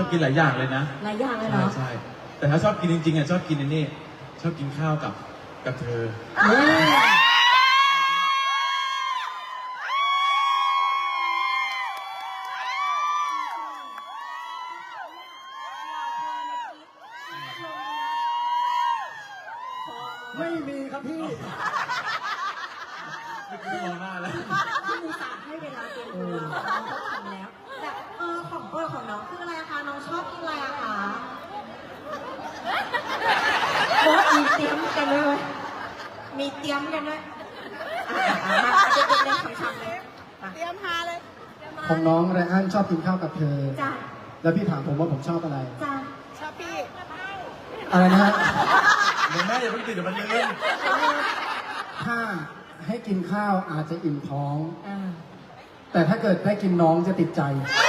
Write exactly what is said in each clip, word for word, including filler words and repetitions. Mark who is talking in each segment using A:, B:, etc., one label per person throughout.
A: อบกินหลายอย่างเลยนะ
B: หลายอย่างเลย
A: ใช่
B: เนาะ
A: ใช่แต่ถ้าชอบกินจริงๆอ่ะชอบกินอันนี้ชอบกินข้าวกับกับเธอ
C: ไม่มีครับพี่
A: ไม่ต้องมองหน้าแล้ว
B: ที่มูสาให้เวลาเตรียมตัวน้องก็ทำแล้วแต่เออของโปรดของน้องคืออะไรอะคะน้องชอบกินอะไรอะคะโอ้มีเตรียมกันด้วยเว้ยมีเตรียมกันด้วยอ่ะอ่ะมาเด็กๆเล่นคำๆเลยมา
D: เตรียมหาเลย
C: ของน้องไรอันชอบกินข้าวกับเธอ
B: จ้า
C: แล้วพี่ถามผมว่าผมชอบอะไร
B: จ้า
D: ชอบพี่
C: อะไรนะฮะ
A: เดี๋ยวแม่อย่าเพิ่งติดเดี๋ยวมันเลื่อน
C: ถ้าให้กินข้าวอาจจะอิ่มท้อง
B: อ่า
C: แต่ถ้าเกิดได้กินน้องจะติดใจ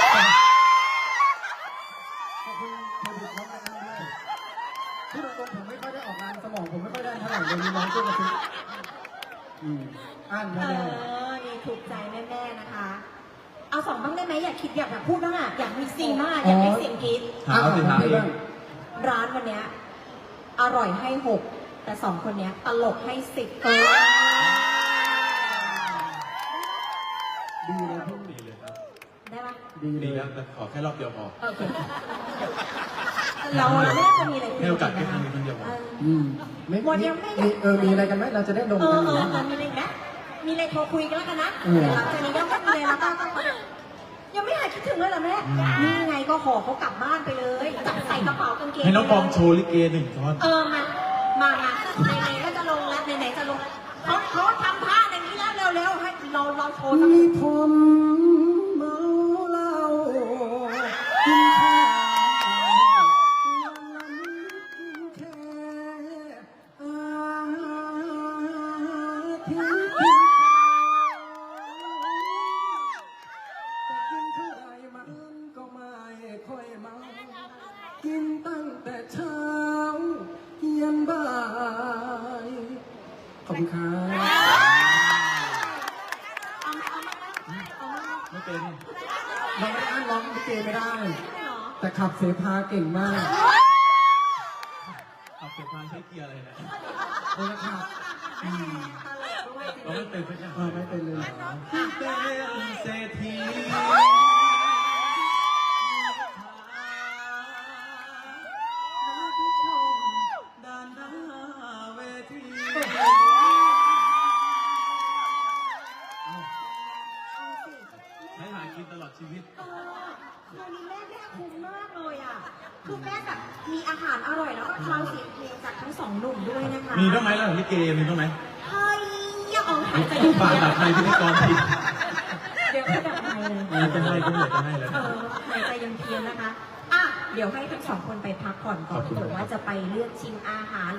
C: ขอบคุณเครดิตน้องไรอันด้วยที่ตรงๆผมไม่ค่อยได้ออกงานสมองผมไม่ค่อยได้เท่าไหร่เลยมีน้องช่วยกระซิบอืมอ่าน
B: เอ
C: มาแล้ว
B: อนี่ถูกใจแม่ๆนะคะ เอาสองบ้างได้ไหมอยากคิดอยากแบบพูดบ้างอะอยากมีซีนมากอยากได้เสียงกรี๊ด
A: ถามเอาสิถามเอง
B: ร้านวันเนี้ยอร่อยให้หกแต่สองคนเนี้ยตลกให้สิบเออ
C: ดีเลยพี่
A: ดีเลยครับ
B: ได้ปะ
C: ดีเล
A: ดี
C: ย
A: แล้วแต่ขอแค่รอบเดียวพอ
B: โอเคเราเราไม่น่าจะมีอะไรคุย
A: ให้โอกาส
B: กัน
A: แค่
B: นะ
A: ครั้งนี้ครั้งเดียวพอ
B: เออ
C: อืมไม่
B: วัน
C: มี
B: ยังไม่
C: มีเออมีอะไรกันไหมเราจะได้ดม
B: เอ
C: กั
B: อน
C: อ
B: เอยู่ อ
C: นะ
B: เออมีอะไรอีกนะมีอะไรโทรคุยกันแล้วกันนะ
C: เออ
B: เดี๋ยวหลังจากนี้ก็ไม่มีอะไรแล้วก็ก็ยังไม่หายคิดถึงเลยเหรอแม่นี่ไงก็ห่อเขากลับบ้านไปเลยจับใส่กระเป๋ากางเกง
A: ให้น้องบอมโชว์ลิเกหนึ่งท่อน
B: เออมามามาไหนๆก็จะลงแล้วไหนๆจะลงเขาเขาทำท่าอย่างนี้แล้วเร็วๆให้เราเราโชว์สัก
C: มีผมเมาเหล้ากินข้าววันนั้นกินแค่อาทิตย์กินแต่กินเท่าไรมันก็ไม่ค่อยเมากินตั้งแต่เช้ายันบ่ายขอบคุณครับ
B: เอาไหมเอาไหมเอาไหม
A: ไม่เป็น
C: เราไม่ได้อ้างร้องลิเกไม่ได้
B: ไม่หรอ
C: แต่ขับเสพาเก่งมาก
A: ขับเสพานใช้เกียร์อะไรนะ
C: เออขับ
B: ตลกด้วย
A: เราไม่เป็นสักอย่าง
C: เออไม่เป็นเลยเหรอ
A: เป็นเศรษฐีด้านหน้าเวทีใช้หากินตลอดชีวิต
B: เออคืนนี้แม่แม่คุ้มมากเลยอ่ะคือแม่แบบมีอาหารอร่อยแล้วก็คลาวเสียงเพลงจากทั้งสองหนุ่มด้วยนะคะ
A: มีบ้างไหมแล้วลิเกมีบ้างไหม
B: เฮ้ยอย่าออกหายใจ
A: ฝากดับในพิธีกรที
B: เดี๋ยวให้ดับไมค์เลย
A: จะให้ก็เหลือจะให้แล้ว
B: เออหายใจยังเพียนนะคะ อ่ะ เดี๋ยวให้ทั้งสองคนไปพักผ่อนก่อน
A: ขอบคุณ
B: เผื่อว่าจะไปเลือกชิมอาหาร